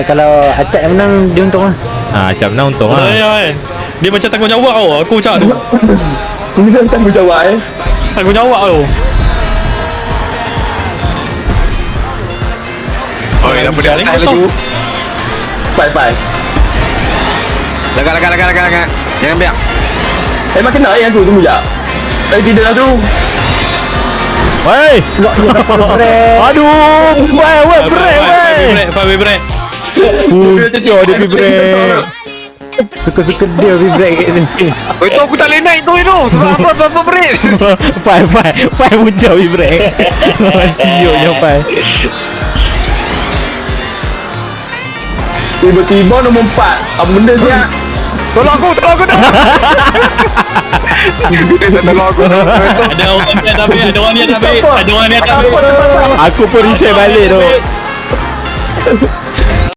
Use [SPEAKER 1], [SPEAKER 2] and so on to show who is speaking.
[SPEAKER 1] Kalau Acap yang menang, dia untung lah.
[SPEAKER 2] Acap menang untung lah.
[SPEAKER 3] Kan. Dia macam tanggungjawab tau. Aku cakap tu.
[SPEAKER 4] Ini kan tanggungjawab
[SPEAKER 3] Tanggungjawab tu.
[SPEAKER 5] Oi, apa dia atas lagi?
[SPEAKER 4] Bye.
[SPEAKER 5] Lagak. Jangan biar.
[SPEAKER 4] Makin nak yang tu, tunggu jap. Tidak lah tu.
[SPEAKER 2] Wey. Aduh. Wey, break.
[SPEAKER 3] Five break.
[SPEAKER 2] Pucuk dia pergi break.
[SPEAKER 1] Suka-suka dia pergi break kat sini.
[SPEAKER 5] Oi, tu aku tak boleh naik tu. Apa break?
[SPEAKER 2] Pai pucuk pergi break. Sioknya Pai.
[SPEAKER 4] Tiba-tiba nombor 4. Apa benda siap?
[SPEAKER 5] Tolong aku dah. Dia tak tolong aku.
[SPEAKER 3] Ada orang ni tak ambil. Ada orang ni tak ambil.
[SPEAKER 2] Aku pun reset balik tu.